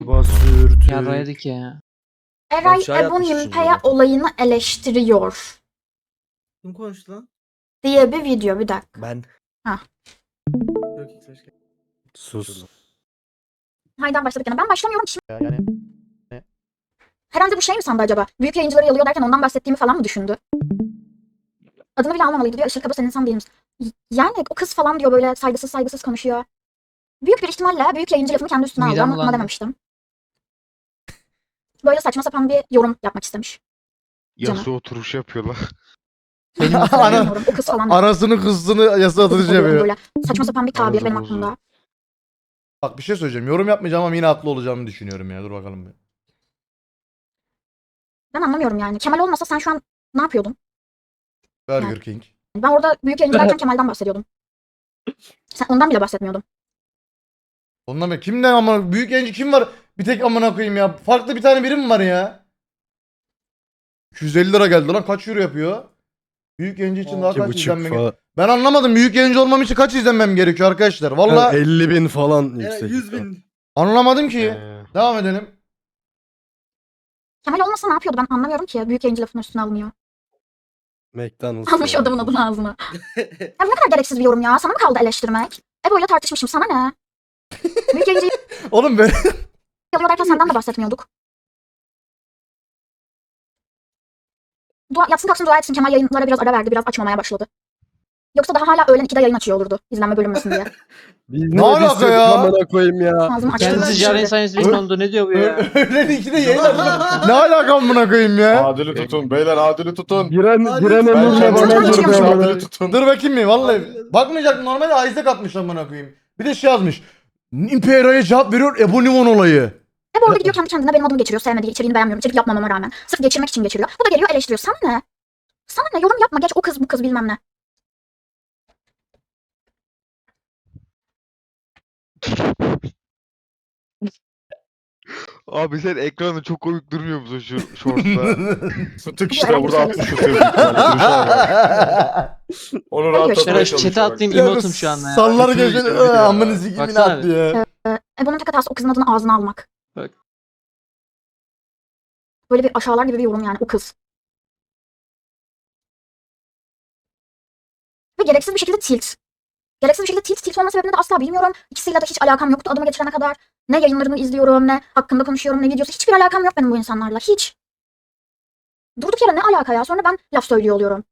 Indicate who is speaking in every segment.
Speaker 1: Basürtü.
Speaker 2: Yarraydık ya.
Speaker 3: Eray
Speaker 1: Aşağı
Speaker 3: Ebu
Speaker 1: yapmış
Speaker 3: Nimpe'ye
Speaker 1: şimdi.
Speaker 3: olayını eleştiriyor
Speaker 4: Kim konuştu lan?
Speaker 3: diye bir video. Bir dakika.
Speaker 1: Ben.
Speaker 4: Yok hiç hoş geldin.
Speaker 1: Sus.
Speaker 3: Haydan başladık yine. Ben başlamıyorum ki.
Speaker 1: Yani
Speaker 3: Herhalde bu şey mi sandı acaba? Büyük yayıncıları yalıyor derken ondan bahsettiğimi falan mı düşündü? Adını bile almamalıydı diyor. Işıl Kaba sen insan değil misin? Yani o kız falan diyor, böyle saygısız konuşuyor. Büyük bir ihtimalle büyük yayıncı lafını kendi üstüne aldı
Speaker 2: Midem
Speaker 3: ama buna
Speaker 2: bulandı.
Speaker 3: dememiştim. Böyle saçma sapan bir yorum yapmak istemiş. Canım.
Speaker 5: Yasuo oturuş yapıyorlar.
Speaker 2: Benim
Speaker 3: Bilmiyorum, o kız falan.
Speaker 6: Anasını kızını yasa atılıcı
Speaker 3: Bozuk oluyorum
Speaker 6: yapıyor.
Speaker 3: böyle. Saçma sapan bir tabir
Speaker 5: Arada
Speaker 3: benim
Speaker 5: bozuyor.
Speaker 3: aklımda.
Speaker 6: Bak bir şey söyleyeceğim. Yorum yapmayacağım ama yine haklı olacağımı düşünüyorum ya. Dur bakalım bir.
Speaker 3: Ben anlamıyorum yani. Kemal olmasa sen şu an ne yapıyordun?
Speaker 6: Burger King.
Speaker 3: Ben orada büyük yayıncı derken Kemal'den bahsediyordum. Sen ondan bile bahsetmiyordun.
Speaker 6: Ondan mı? Kimden ama büyük yayıncı kim var? Bir tek amına koyayım ya. Farklı bir tane biri mi var ya? 250 lira geldi lan. Kaç euro yapıyor? Büyük yayıncı için daha kaç izlenme
Speaker 1: falan.
Speaker 6: Ben anlamadım. Büyük yayıncı olmam için kaç izlenmem gerekiyor arkadaşlar? Valla
Speaker 1: 50.000 falan
Speaker 4: Evet,
Speaker 1: yüksek.
Speaker 4: 100.000.
Speaker 6: anlamadım ki.
Speaker 5: Ee,
Speaker 6: Devam edelim.
Speaker 3: Kemal olmasa ne yapıyordu ben anlamıyorum ki. Büyük yayıncı lafının üstüne alınıyor.
Speaker 1: McDonald's.
Speaker 3: Almış
Speaker 1: yani.
Speaker 3: adamın adını ağzına. Ya bu ne kadar gereksiz bir yorum ya. Sana mı kaldı eleştirmek? Ebo'yla tartışmışım, sana ne? Büyük yayıncıyı
Speaker 6: Oğlum böyle
Speaker 3: alıyor derken senden de bahsetmiyorduk. Yatsın kalksın dua etsin, Kemal yayınlara biraz ara verdi. Biraz açmamaya başladı. Yoksa daha hala öğlen 2'de yayın açıyor olurdu. İzlenme bölünmesin diye.
Speaker 1: Biz
Speaker 6: Ne alaka
Speaker 1: destek
Speaker 6: ya?
Speaker 1: Amına koyayım ya.
Speaker 3: Ağzımı açtım.
Speaker 2: Kendisi Jaren Science Vision oldu. Ne diyor bu ya?
Speaker 6: öğlen 2'de yayın açmak. Ne alaka amına koyayım ya?
Speaker 5: Adili tutun beyler, adili tutun.
Speaker 1: Giren
Speaker 4: Hadi
Speaker 1: emrinle
Speaker 4: ben-
Speaker 1: bana
Speaker 3: Ben-
Speaker 1: durdu
Speaker 3: Ben-
Speaker 1: amına.
Speaker 5: Adili tutun.
Speaker 6: Dur bakayım mı? Vallahi bakmayacak, normalde Isaac atmış amına koyayım. Bir de şey yazmış. Imperia'ya cevap veriyor Ebu Nimon olayı.
Speaker 3: Hep orada gidiyor kendi kendine benim adımı geçiriyor. Sevmediği, içeriğini beğenmiyorum. İçerik yapmamama rağmen. Sırf geçirmek için geçiriyor. Bu da geliyor eleştiriyor. Sana ne? Sana ne? Yorum yapma. Geç o kız bu kız bilmem ne.
Speaker 5: Abi sen ekranda çok komik durmuyor musun şu shorts'ta?
Speaker 7: Fıtık
Speaker 3: Bu
Speaker 7: işte
Speaker 3: herhalde
Speaker 7: burada
Speaker 3: söylesin.
Speaker 7: 60 tutuyor büyük ihtimalle. Duruşa bak. Onu
Speaker 3: Hayır,
Speaker 7: rahatlatmaya
Speaker 3: Şeray,
Speaker 2: chat'e
Speaker 7: çalışıyor.
Speaker 2: atlayayım,
Speaker 6: Ya
Speaker 2: emotum şu anda ya.
Speaker 6: Sallar
Speaker 5: Bütün
Speaker 6: geçen
Speaker 5: videoları ya.
Speaker 6: amını sikimini
Speaker 2: Baksana
Speaker 6: attı ya.
Speaker 3: Bunun tek hatası o kızın adını ağzına almak.
Speaker 2: Bak.
Speaker 3: Böyle bir aşağılar gibi bir yorum yani, o kız. Ve gereksiz bir şekilde tilt. Gereksiz bir şekilde tilt olma sebebini de asla bilmiyorum. İkisiyle de hiç alakam yoktu adımı geçirene kadar. Ne yayınlarını izliyorum, ne hakkında konuşuyorum, ne videosu. Hiçbir alakam yok benim bu insanlarla. Hiç. Durduk yere ne alaka ya? Sonra ben laf söylüyor oluyorum.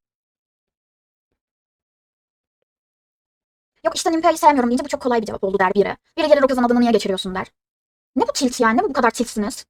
Speaker 3: Yok işte Nimpe'yi sevmiyorum deyince bu çok kolay bir cevap oldu der biri. Biri gelir o kızın adını niye geçiriyorsun der. Ne bu tilt yani? Ne bu kadar tiltsiniz?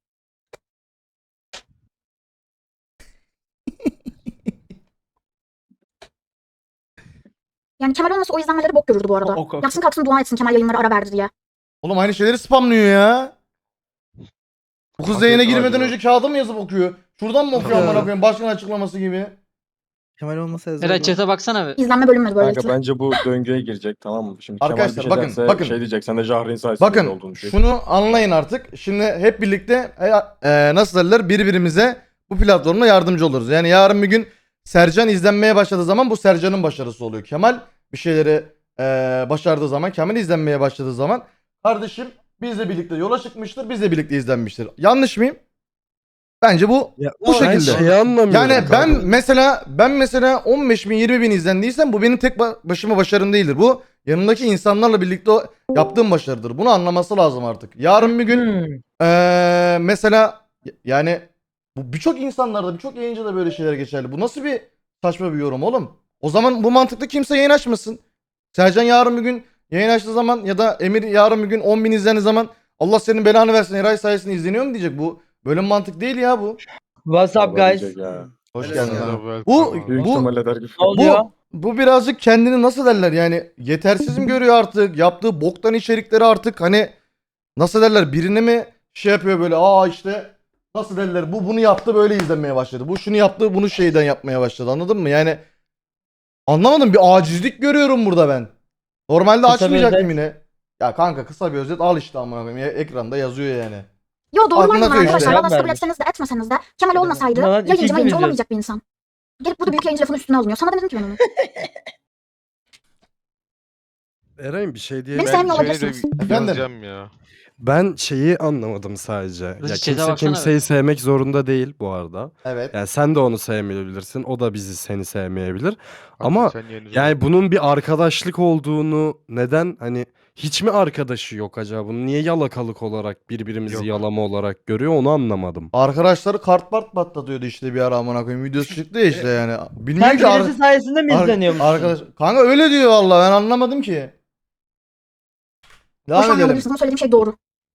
Speaker 3: Yani Kemal olmasa o izlenmeleri bok görürdü bu arada. Yatsın kalksın dua etsin Kemal yayınlara ara verdi diye.
Speaker 6: Oğlum aynı şeyleri spamlıyor ya. Bu kız yayına
Speaker 5: Afiyet
Speaker 6: girmeden
Speaker 5: olsun.
Speaker 6: önce kağıda mı yazıp okuyor? Şuradan mı okuyor amına koyayım? Başkan açıklaması gibi.
Speaker 4: Kemal olmasa yazar.
Speaker 2: Eray chat'e baksana bir.
Speaker 3: İzlenme bölünmedi
Speaker 7: Kanka
Speaker 3: böylelikle.
Speaker 7: bence bu döngüye girecek, tamam mı? Şimdi
Speaker 6: Arkadaşlar,
Speaker 7: Kemal bir
Speaker 6: bakın,
Speaker 7: şey derse
Speaker 6: bakın.
Speaker 7: şey diyecek, sen de Jahre'nin sayesinde
Speaker 6: Bakın
Speaker 7: olduğunu diyecek.
Speaker 6: şunu anlayın artık. Şimdi hep birlikte nasıl derler, birbirimize bu platformda yardımcı oluruz. Yani yarın bir gün Sercan izlenmeye başladığı zaman bu Sercan'ın başarısı oluyor. Kemal bir şeyleri başardığı zaman, Kemal izlenmeye başladığı zaman kardeşim bizle birlikte yola çıkmıştır, bizle birlikte izlenmiştir. Yanlış mıyım? Bence bu
Speaker 1: Ya,
Speaker 6: bu
Speaker 1: ben
Speaker 6: şekilde.
Speaker 1: şeyi anlamıyorum
Speaker 6: Yani ben
Speaker 1: kanka.
Speaker 6: mesela 15 bin 20 bin izlendiysem bu benim tek başıma başarım değildir. Bu yanımdaki insanlarla birlikte yaptığım başarıdır. Bunu anlaması lazım artık. Yarın bir gün mesela yani bu birçok insanlarda, birçok yayıncıda böyle şeyler geçerli. Bu nasıl bir saçma bir yorum oğlum? O zaman bu mantıkta kimse yayın açmasın. Sercan yarın bir gün yayın açtığı zaman ya da Emir yarın bir gün 10 bin izlendiği zaman Allah senin belanı versin Eray sayesinde izleniyor mu diyecek. Bu böyle bir mantık değil ya bu.
Speaker 8: What's up
Speaker 7: Vallahi
Speaker 8: guys?
Speaker 7: diyecek ya.
Speaker 6: Hoş
Speaker 4: Evet,
Speaker 6: geldin.
Speaker 4: evet.
Speaker 6: abi. Bu
Speaker 7: Büyük
Speaker 6: bu
Speaker 7: ihtimalle der gibi.
Speaker 8: Ne oluyor?
Speaker 6: bu birazcık kendini nasıl derler yani yetersiz mi görüyor artık, yaptığı boktan içerikleri artık hani nasıl derler, birine mi şey yapıyor böyle, işte nasıl derler, bu bunu yaptı böyle izlenmeye başladı, bu şunu yaptı bunu şeyden yapmaya başladı, anladın mı yani anlamadım, bir acizlik görüyorum burada ben. Normalde
Speaker 8: Kısa bir
Speaker 6: açmayacaktım
Speaker 8: özet.
Speaker 6: yine. Ya kanka kısa bir özet al işte amına koyayım, ekranda yazıyor yani.
Speaker 3: Yo doğrular
Speaker 6: Aklına
Speaker 3: bunlar
Speaker 6: atıyor
Speaker 3: arkadaşlar.
Speaker 6: işte.
Speaker 3: Allah nasıl kabul
Speaker 8: Vermiş.
Speaker 3: etseniz de etmeseniz de Kemal olmasaydı
Speaker 8: Ulan
Speaker 3: yayıncı
Speaker 8: ikinci
Speaker 3: mayıncı
Speaker 8: video.
Speaker 3: olamayacak bir insan. Gelip burada büyük yayıncı lafının üstüne alınıyor. Sana demedim ki ben onu.
Speaker 1: Eray'ım bir şey diye
Speaker 3: Beni
Speaker 5: Ben
Speaker 3: sevmiyor
Speaker 5: seni de
Speaker 3: olabilirsiniz.
Speaker 6: Efendim?
Speaker 5: yazacağım ya.
Speaker 1: ben şeyi anlamadım sadece. Ya
Speaker 2: Hızlı ceza
Speaker 1: kimse
Speaker 2: baksana
Speaker 1: kimseyi sevmek zorunda değil bu arada.
Speaker 6: Evet.
Speaker 1: Yani sen de onu sevmeyebilirsin. O da seni sevmeyebilir. Ama
Speaker 5: Hatta sen yeni
Speaker 1: yani bunun bir arkadaşlık olduğunu neden hani hiç mi arkadaşı yok acaba? Bunu niye yalakalık olarak birbirimizi
Speaker 5: Yok.
Speaker 1: yalama olarak görüyor onu anlamadım.
Speaker 6: Arkadaşları kart patlatıyordu işte bir ara amına koyayım. Videosu çıktı ya işte yani. Bilmiyorum
Speaker 8: Sen
Speaker 6: ki
Speaker 8: birisi sayesinde mi izleniyormuşsun?
Speaker 6: arkadaş. Kanka öyle diyor vallahi ben anlamadım ki. Devam
Speaker 3: Hoşlanmıyor
Speaker 6: edelim.
Speaker 3: olabilirsiniz ama söylediğim şey doğru.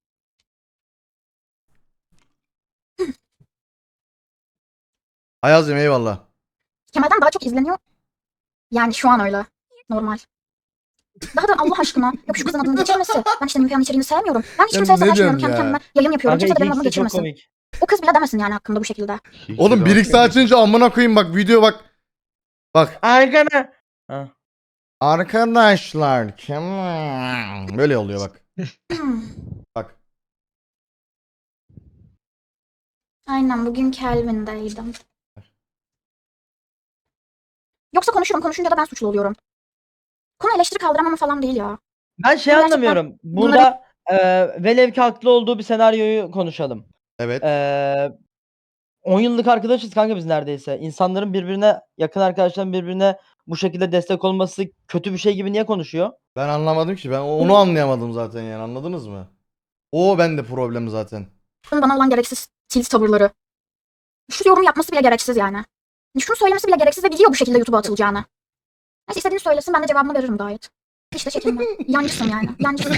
Speaker 6: Ayaz'cığım eyvallah.
Speaker 3: Kemal'den daha çok izleniyor. Yani şu an öyle. Normal. Daha da Allah aşkına. Yok şu kızın adını geçirmesi. Ben işte Nümfe'nin içeriğini sevmiyorum. Ben hiç
Speaker 6: Ya
Speaker 3: kimseye
Speaker 6: ne
Speaker 3: savaşmıyorum.
Speaker 6: diyorsun
Speaker 3: Kendi
Speaker 6: ya?
Speaker 3: kendime yayın yapıyorum.
Speaker 8: Kanka
Speaker 3: Kimse de benim
Speaker 8: 2x
Speaker 3: adımı
Speaker 8: de çok
Speaker 3: geçirmesin.
Speaker 8: komik.
Speaker 3: O kız bile demesin yani hakkında bu şekilde.
Speaker 6: Oğlum 1x açınca amına koyayım bak video bak. Bak.
Speaker 8: Arkana. Ha.
Speaker 6: Arkadaşlar kim? Böyle oluyor bak. Bak.
Speaker 3: Aynen bugün Kelvin'deydim. Yoksa konuşunca da ben suçlu oluyorum. Konu eleştiri kaldıramama falan değil ya.
Speaker 8: Ben şey
Speaker 3: Gerçekten
Speaker 8: anlamıyorum. Burada velev ki haklı olduğu bir senaryoyu konuşalım.
Speaker 6: Evet.
Speaker 8: 10 yıllık arkadaşız kanka biz neredeyse. İnsanların birbirine, yakın arkadaşların birbirine bu şekilde destek olması kötü bir şey gibi niye konuşuyor?
Speaker 6: Ben anlamadım ki. Ben onu anlayamadım zaten yani. Anladınız mı? O bende problem zaten.
Speaker 3: Bunun bana olan gereksiz tilt tavırları. Şu yorum yapması bile gereksiz yani. Şunu söylemesi bile gereksiz ve biliyor bu şekilde YouTube'a atılacağını. Neyse istediğini söylesin ben de cevabını veririm gayet. Hiç de çekinme. Yancısın yani. Yancısın.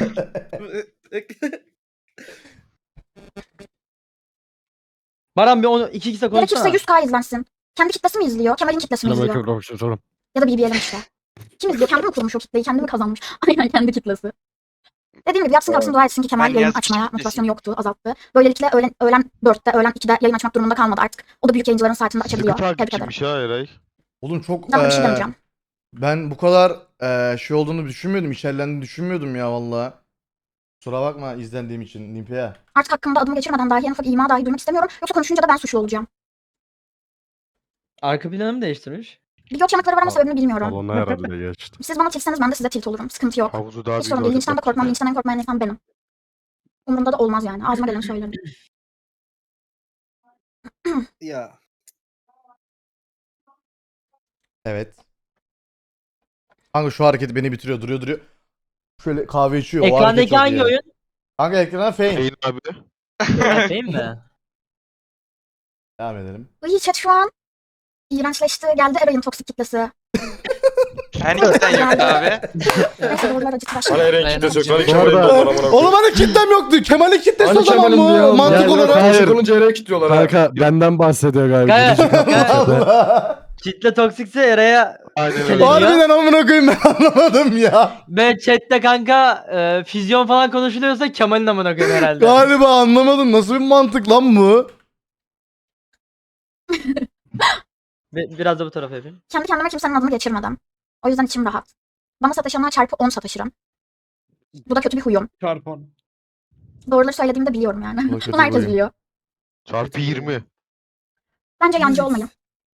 Speaker 8: Baran bir onu 2x'e
Speaker 3: Gerekirse
Speaker 8: konuşsana.
Speaker 3: 100K izlensin. Kendi kitlesi mi izliyor? Kemal'in kitlesi mi izliyor? Ya da BBL'in işte. Kim izliyor? Kendi mi kurmuş o kitleyi? Kendi mi kazanmış? Aynen kendi kitlesi. Dediğim gibi yatsın kalksın dua etsin ki Kemal yayın açmaya motivasyonu yoktu, azalttı. Böylelikle öğlen 4'te, öğlen 2'de yayın açmak durumunda kalmadı artık. O da büyük yayıncıların saatinde açabiliyor.
Speaker 5: Sıkı
Speaker 3: Tebrik ederim.
Speaker 5: takipçiymiş ha Eray.
Speaker 6: Oğlum çok
Speaker 3: Ben bir şey demeyeceğim.
Speaker 6: ben bu kadar şey olduğunu düşünmüyordum. İçerlendiğini düşünmüyordum ya vallahi. Kusura bakma izlendiğim için Nimpe'ye.
Speaker 3: Artık hakkımda adımı geçirmeden dahi en ufak ima dahi duymak istemiyorum. Yoksa konuşunca da ben suçlu olacağım.
Speaker 8: Arka planı mı değiştirmiş?
Speaker 3: Video çamakları var ama sebebini bilmiyorum.
Speaker 1: Salona herhalde geçti.
Speaker 3: Siz bana tiltseniz ben de size tilt olurum. Sıkıntı yok.
Speaker 5: Havuzu daha
Speaker 3: Hiç
Speaker 5: büyük
Speaker 3: sorun değil.
Speaker 5: olacak
Speaker 3: Linçten de
Speaker 5: bak.
Speaker 3: korkmam. Linçten en korkmayan insan benim. Umurumda da olmaz yani. Ağzıma geleni söylerim.
Speaker 4: Ya.
Speaker 6: Evet. Kanka şu hareket beni bitiriyor. Duruyor. Şöyle kahve içiyor. O hareket
Speaker 8: Ekrandaki
Speaker 6: çok
Speaker 8: hangi
Speaker 6: iyi.
Speaker 8: oyun?
Speaker 6: Kanka ekrana Fame.
Speaker 5: Şeyin abi.
Speaker 8: Değil mi?
Speaker 6: Devam edelim.
Speaker 3: Iy chat şu an iğrençleşti. Geldi Eray'ın toksik kitlesi.
Speaker 9: Hani cidden yok abi.
Speaker 3: Neyse doğrular acıtı
Speaker 7: Hani
Speaker 3: başladı.
Speaker 7: Eren kitlesi yok. Hani
Speaker 1: Bu
Speaker 7: Kemal'in
Speaker 1: arada-
Speaker 7: de var amına koyayım.
Speaker 6: Oğlum hani kitlem yoktu. Kemal'in kitlesi
Speaker 7: Hani
Speaker 6: o zaman
Speaker 7: Kemal'in diyor.
Speaker 6: bu. Mantık
Speaker 1: Yani
Speaker 6: olarak.
Speaker 1: hayır.
Speaker 7: Karşı olunca Eren'e kilitliyorlar ha.
Speaker 1: Kanka benden bahsediyor galiba.
Speaker 8: Gayet-
Speaker 1: Birinci kapı.
Speaker 6: Allah.
Speaker 8: Kitle toksikse Eray'a
Speaker 5: Aynen öyle.
Speaker 8: Kelebek.
Speaker 6: Harbiden amına koyayım ben anlamadım ya.
Speaker 8: ve chatte kanka füzyon falan konuşuluyorsa Kemal'in amına koyayım herhalde.
Speaker 6: Galiba anlamadım. Nasıl bir mantık lan bu?
Speaker 8: Biraz da bu tarafa yapayım.
Speaker 3: Kendi kendime kimsenin adını geçirmedim. O yüzden içim rahat. Bana sataşanlara çarpı 10 sataşırım. Bu da kötü bir huyum.
Speaker 4: Çarpan.
Speaker 3: Doğruları söylediğimi de biliyorum yani.
Speaker 6: Bu da kötü
Speaker 3: Bunu herkes
Speaker 6: bir huyum.
Speaker 3: biliyor.
Speaker 5: Çarpı 20.
Speaker 3: Bence yancı olmayın.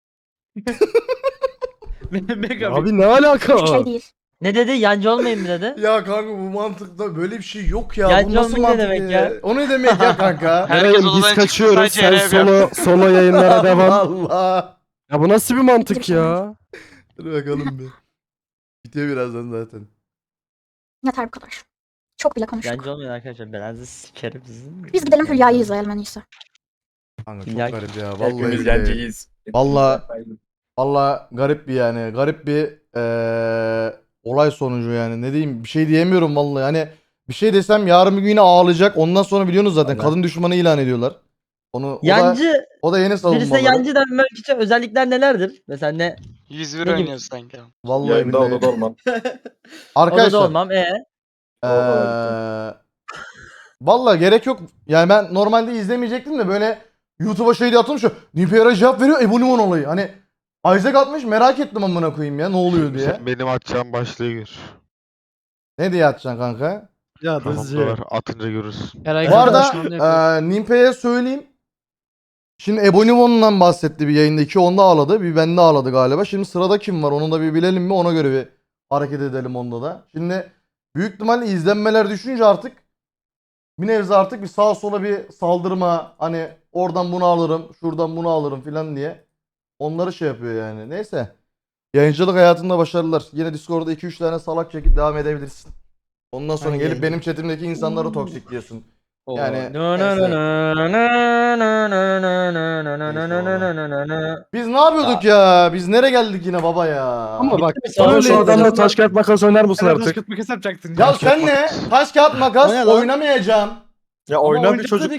Speaker 8: Mega
Speaker 1: Abi ne alaka?
Speaker 3: Hiçbir şey değil.
Speaker 8: Ne dedi? Yancı olmayın mı dedi?
Speaker 6: Ya kanka bu mantıkta böyle bir şey yok ya.
Speaker 8: Yancı
Speaker 6: bu nasıl
Speaker 8: olmak ne
Speaker 6: mantık
Speaker 8: demek
Speaker 6: ya?
Speaker 8: ya?
Speaker 6: O ne demek ya kanka?
Speaker 9: Herkes
Speaker 1: Eray'ım
Speaker 9: odadan
Speaker 1: biz
Speaker 9: çıktı,
Speaker 1: kaçıyoruz.
Speaker 9: sadece
Speaker 1: Sen
Speaker 9: Eray
Speaker 1: solo yayınlara devam.
Speaker 6: Allah.
Speaker 1: Ya bu nasıl bir mantık ya?
Speaker 6: Dur bakalım bir. Bitiyor birazdan zaten.
Speaker 3: Yeter bu kadar. Çok bile konuştuk.
Speaker 8: Yancı olmayın arkadaşlar. Ben sizi sikerim sizin.
Speaker 3: Biz gidelim Hülya'yı izleyelim en iyisi.
Speaker 6: Kanka çok
Speaker 8: İlla ki.
Speaker 6: garip ya. Vallahi
Speaker 7: Hepimiz
Speaker 6: billahi.
Speaker 7: yancıyız.
Speaker 6: Vallahi garip bir yani. Garip bir olay sonucu yani. Ne diyeyim? Bir şey diyemiyorum vallahi. Hani bir şey desem yarın bir gün yine ağlayacak. Ondan sonra biliyorsunuz zaten
Speaker 8: Allah.
Speaker 6: kadın düşmanı ilan ediyorlar. O
Speaker 8: Yancı,
Speaker 6: da yeni
Speaker 8: birisine
Speaker 6: savunmaları.
Speaker 8: yancı denmek için özellikler nelerdir? Mesela ne?
Speaker 9: 101
Speaker 8: Ne gibi?
Speaker 9: oynuyoruz sanki.
Speaker 6: Vallahi
Speaker 7: Yayında
Speaker 6: billahi.
Speaker 7: odada olmam.
Speaker 8: Odada
Speaker 6: Arkadaşlar.
Speaker 8: olmam.
Speaker 6: Vallahi gerek yok. Yani ben normalde izlemeyecektim de böyle YouTube'a şey diye atılmış. Nipera cevap veriyor. Ebonimon olayı. Hani Isaac atmış merak ettim amına koyayım ya ne oluyor diye.
Speaker 5: Sen benim atacağım başlığı gör.
Speaker 6: Ne diye atacaksın kanka?
Speaker 1: Ya
Speaker 5: Kafamda
Speaker 1: Dızcı.
Speaker 5: var. Atınca görürsün.
Speaker 2: Eray
Speaker 6: Bu arada Nimpe'ye söyleyeyim. Şimdi Ebonimon'dan bahsetti bir yayında. 2 onda ağladı. Bir bende ağladı galiba. Şimdi sırada kim var onu da bir bilelim mi ona göre bir hareket edelim onda da. Şimdi büyük ihtimalle izlenmeler düşünce artık bir nebze artık bir sağa sola bir saldırma, hani oradan bunu alırım, şuradan bunu alırım filan diye onları şey yapıyor yani. Neyse. Yayıncılık hayatında başarılar. Yine Discord'da 2-3 tane salak çekip devam edebilirsin. Ondan sonra
Speaker 4: Hangi
Speaker 6: gelip
Speaker 4: yayıncı?
Speaker 6: benim chatimdeki insanları toksikliyorsun. Yani
Speaker 2: No, no,
Speaker 6: neyse.
Speaker 2: no, no, no, no, no, no, no, no, no, no, no, no, no, no.
Speaker 6: Biz ne yapıyorduk ya? Biz nereye geldik yine baba ya?
Speaker 1: Ama bak
Speaker 2: Sağ ol,
Speaker 1: bana şu adamla taş kağıt makas oynar mısın
Speaker 4: Taş
Speaker 1: artık?
Speaker 4: kağıt makas yapacaksın.
Speaker 6: Ya sen ne? Taş kağıt makas
Speaker 4: O ne lan?
Speaker 6: oynamayacağım.
Speaker 7: Ya
Speaker 4: Ama
Speaker 7: oyna bir
Speaker 4: oynadı
Speaker 7: çocuk